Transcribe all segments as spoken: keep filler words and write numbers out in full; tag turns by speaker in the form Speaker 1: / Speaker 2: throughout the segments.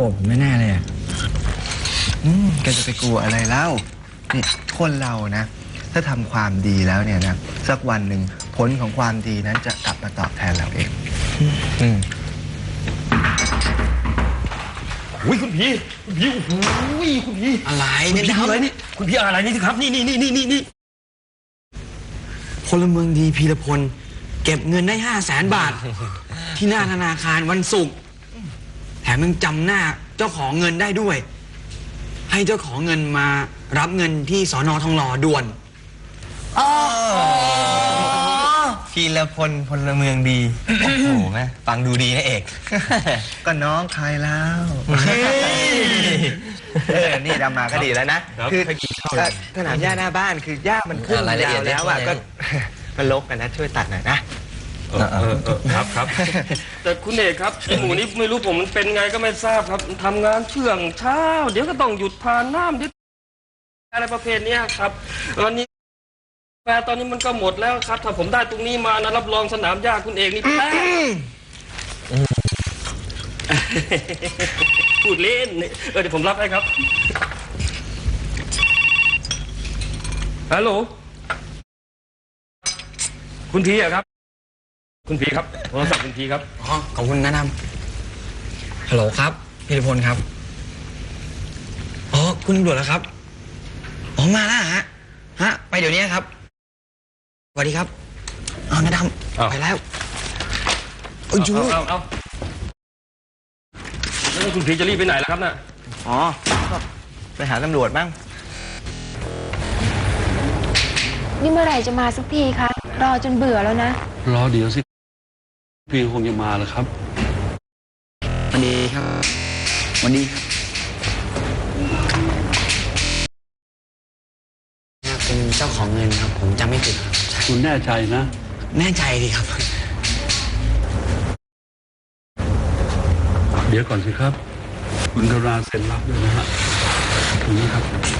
Speaker 1: ธผมแน่ๆเลยอ่ะ
Speaker 2: อืมแกจะไปกลัวอะไรเล่านี่คนเรานะถ้าทำความดีแล้วเนี่ยนะสักวันหนึ่งผลของความดีนั้นจะกลับมาตอบแทนเราเองอืม
Speaker 3: อุ้ยคุณพี่คุณพี่โอ้โหคุณพี่
Speaker 1: อะไร
Speaker 3: คุณ
Speaker 1: เนี่ย
Speaker 3: พี่อะไรนี่คุณพี่อะไรนี่สิครับนี่นี่นี่นี่นี่นี่
Speaker 1: พลเมืองดีพีรพลเก็บเงินได้ห้าแสนบาท ที่หน้าธนาคารวันศุกร์แถมยังจำหน้าเจ้าของเงินได้ด้วย ให้เจ้าของเงินมารับเงินที่สอนอทองหล่อด่วน
Speaker 4: พีรพลพลเมืองดี โอ้โหแม่ฟังดูดีนะเอก
Speaker 2: ก็น้องใครแล้วเออนี่ดำมาก็ดีแล้วนะคือสนามหญ้าหน้าบ้านคือหญ้ามันขึ้นยาวแล้วอ่ะก็มันรกกันนะช่วยตัดหน่อยนะ
Speaker 3: เออเออเออครับครับแต่คุณเอกครับไอหมูนี่ไม่รู้ผมมันเป็นไงก็ไม่ทราบครับทำงานเชื่องเช้าเดี๋ยวก็ต้องหยุดทานน้ำเดี๋ยวอะไรประเภทนี้ครับวันนี้แฟตอนนี้มันก็หมดแล้วครับถ้าผมได้ตรงนี้มานะรับรองสนามหญ้าคุณเอกนี่แพ้พูดเล่นเออเดี๋ยวผมรับให้ครับฮัลโหลคุณพีอะครับคุณพีครับโทรศัพท์คุณพีครับ
Speaker 1: อ๋อขอบคุณนะนำฮัลโหลครับพีรพลครับอ๋อคุณตำรวจแล้วครับอ๋อมาแล้วฮะฮะไปเดี๋ยวนี้ครับสวัสดีครับอ๋อนะดำไปแล้ว
Speaker 3: เอาเอาเอาแล้วคุณพีจะรีบไปไหนล่ะครับน่ะ
Speaker 2: อ๋อไปหาตำรวจบ้าง
Speaker 5: นี่เมื่อไหร่จะมาสักทีคะรอจนเบื่อแล้วนะ
Speaker 6: รอเดี๋ยวสิพี่คงจะมาแล้วครับ
Speaker 1: วันดีครับวันดีครับเป็นเจ้าของเงินครับผมจำไม่ผิดครับ
Speaker 6: คุณแน่ใจนะ
Speaker 1: แน่ใจดีครับ
Speaker 6: เดี๋ยวก่อนสิครับคุณกรุณาเซ็นรับด้วยนะฮะตรงนี้ครับ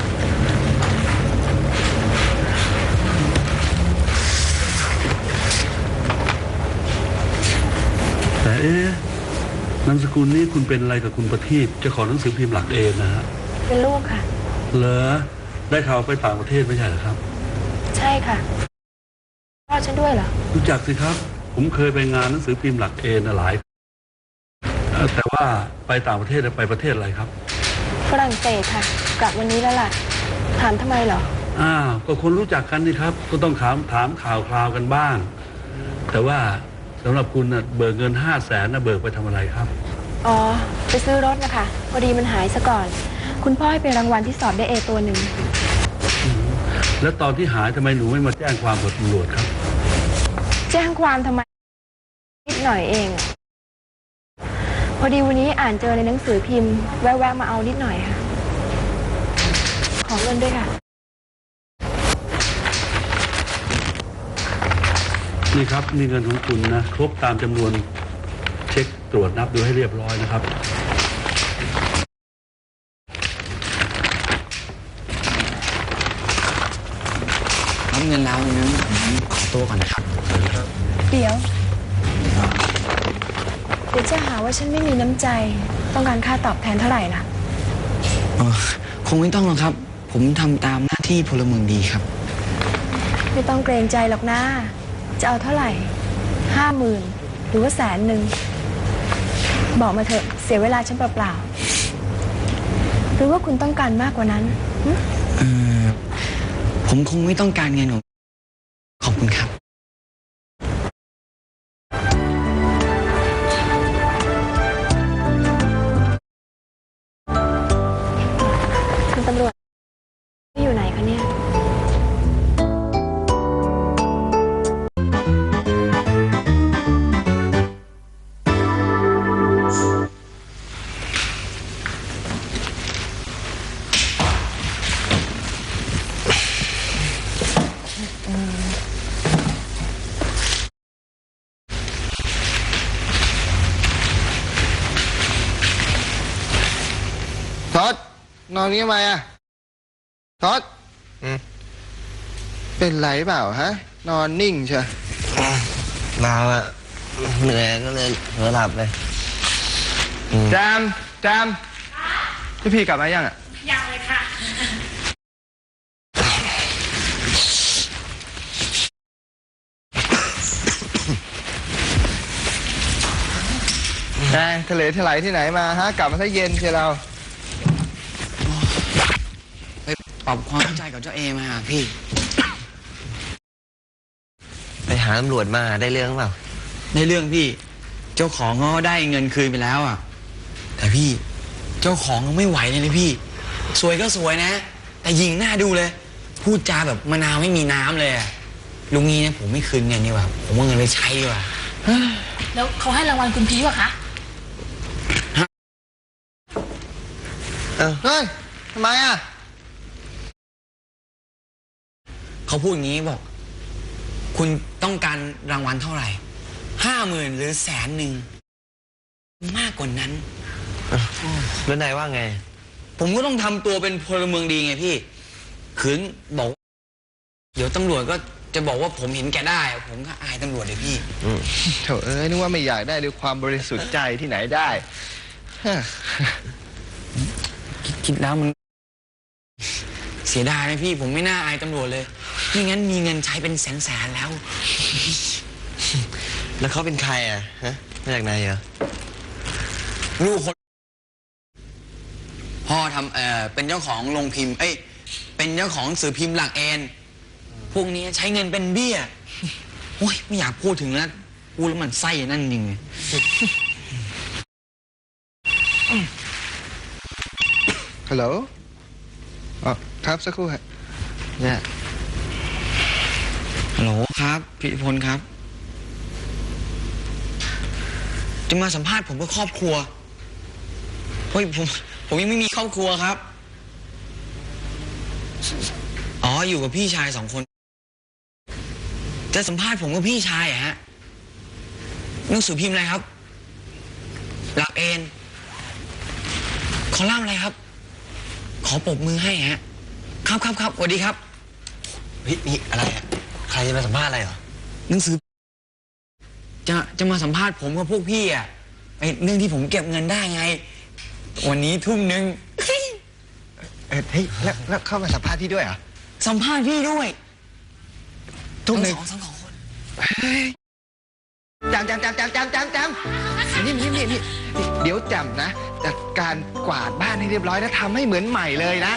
Speaker 6: แต่เอ๊ะนามสกุลนี้คุณเป็นอะไรกับคุณประทีปเจ้าของหนังสือพิมพ์หลักเอนะฮะ
Speaker 5: เป็นลูกค่ะ
Speaker 6: เหรอได้ข่าวไปต่างประเทศไม่ใช่เหรอครับ
Speaker 5: ใช่ค่ะพ่อฉันด้วยเหรอ
Speaker 6: รู้จักสิครับผมเคยไปงานหนังสือพิมพ์หลักเอนะหลายแต่ว่าไปต่างประเทศไปประเทศอะไรครับ
Speaker 5: ฝรั่งเศสค่ะกลับวันนี้แล้วล่ะถามทำไมเหรอ
Speaker 6: อ้าวก็คนรู้จักกันนี่ครับก็ต้องถามถามข่าวคราวกันบ้างแต่ว่าสำหรับคุณนะเบิกเงินห้าแสนนะเบิกไปทำอะไรครับ
Speaker 5: อ๋อไปซื้อรถนะคะพอดีมันหายซะก่อนคุณพ่อให้เป็นรางวัลที่สอบได้เอตัวหนึ่ง
Speaker 6: แล้วตอนที่หายทำไมหนูไม่มาแจ้งความกับตำรวจครับ
Speaker 5: แจ้งความทำไมนิดหน่อยเองพอดีวันนี้อ่านเจอในหนังสือพิมพ์แวะๆมาเอานิดหน่อยค่ะขอเงินด้วยค่ะ
Speaker 6: นี่ครับนี่เงินของคุณนะครบตามจำนวนเช็คตรวจนับดูให้เรียบร้อยนะครับ
Speaker 1: รับเงินแล้วงั้นผมขอตัวก่อนนะครับ
Speaker 5: เดี๋ยวเดี๋ยวจะหาว่าฉันไม่มีน้ำใจต้องการค่าตอบแทนเท่าไหร่ล่ะ
Speaker 1: คงไม่ต้องหรอกครับผมทำตามหน้าที่พลเมืองดีครับ
Speaker 5: ไม่ต้องเกรงใจหรอกนะจะเอาเท่าไหร่ห้าหมื่นหรือว่าแสนหนึ่งบอกมาเถอะเสียเวลาฉันเปล่าๆหรือว่าคุณต้องการมากกว่านั้น
Speaker 1: เออผมคงไม่ต้องการเงินของขอบคุณครับ
Speaker 5: คุณตำรวจอยู่ไหนคะเนี่ย
Speaker 2: ทศนอนนี้ทำไมอ่ะทศเป็นไรเปล่าฮะนอนนิ่งเชียว
Speaker 4: มาอ่ะเหนื่อยก็เลยเผลอหลับเลย
Speaker 2: จามจามพี่พีกลับมายังอ่ะ
Speaker 7: ยังเลยค่ะ
Speaker 2: นายทะเลทลายที่ไหนมาฮะ กลับมาซะเย็นเชียวเรา
Speaker 1: ไปปรับความเข้าใจกับเจ้าเอมาพี่
Speaker 4: ไปหาตำรวจมาได้เรื่องเปล่า
Speaker 1: ในเรื่องพี่ เจ้าของเขาได้เงินคืนไปแล้วอ่ะ แต่พี่เจ้าของเขาไม่ไหวเลยนะพี่ สวยก็สวยนะ แต่ยิงหน้าดูเลย พูดจาแบบมะนาวไม่มีน้ำเลยอะลุงนี้นะผมไม่คืนเงินดีกว่า ผมเอาเงินไปใช้ดีกว่า
Speaker 7: แล้วเขาให้รางวัลคุณพีวะคะ
Speaker 2: เฮ้ยทำไมอ่ะ
Speaker 1: เขาพูดอย่างนี้บอก คุณต้องการรางวัลเท่าไหร่ห้าหมื่นหรือแสนหนึ่งมากกว่านั้น
Speaker 4: แล้วนายว่าไง
Speaker 1: ผมก็ต้องทำตัวเป็นพลเมืองดีไงพี่ขืนบอก เดี๋ยวตำรวจก็จะบอกว่าผมเห็นแก่ได้ ผมก็อายตำรวจเลยพี่
Speaker 2: โถเอ้ยนึกว่าไม่อยากได้ด้วยความบริสุทธิ์ใจที่ไหนได้ฮะ
Speaker 1: คิดคิดแล้วมัน เสียดายนะพี่ ผมไม่น่าอายตำรวจเลยไม่งั้นมีเงินใช้เป็นแสนแสนๆแล้ว
Speaker 4: แล้วเขาเป็นใครอ่ะฮะมาจากไหนเหรอ
Speaker 1: ลูกคนพ่อทำเอ่อเป็นเจ้าของโรงพิมพ์ เอ้ย เป็นเจ้าของหนังสือพิมพ์หลักเอนพวกนี้ใช้เงินเป็นเบี้ยโอ้ยไม่อยากพูดถึงแล้วพูดแล้วมันไส้นั่นจริงเลย
Speaker 2: ฮัลโหลอ๋อครับสักครู่ฮะเนี่ย
Speaker 1: ฮัลโหลครับพิพลครับ จะมาสัมภาษณ์ผมเพื่อครอบครัวเฮ้ยผมผมยังไม่มีครอบครัวครับ อ๋ออยู่กับพี่ชายสองคน จะสัมภาษณ์ผมกับพี่ชายอะฮะหนังสือพิมพ์อะไรครับ หลักเอนคอลัมน์อะไรครับ ขอปรบมือให้ฮะครับครับครับสวัสดีครับ
Speaker 4: เฮ้ยนี่อะไรอ่ะ ใครจะมาสัมภาษณ์อะไรเหรอ
Speaker 1: หนังสือ จะจะมาสัมภาษณ์ผมกับพวกพี่อ่ะไอเรื่องที่ผมเก็บเงินได้ไง วันนี้ทุ่มหนึ่ง
Speaker 2: เออเฮ้ยแล้วแล้วเข้ามาสัมภาษณ์พี่ด้วยเหรอ
Speaker 1: สัมภาษณ์พี่ด้วย
Speaker 2: ทุ่มหนึ่ง
Speaker 1: ทั้งสองทั้งสองคน
Speaker 2: จำจำจำจำจำจำจำนี่นี่นี่นี่เดี๋ยวจำนะจัดการกวาดบ้านให้เรียบร้อยแล้วทำให้เหมือนใหม่เลยนะ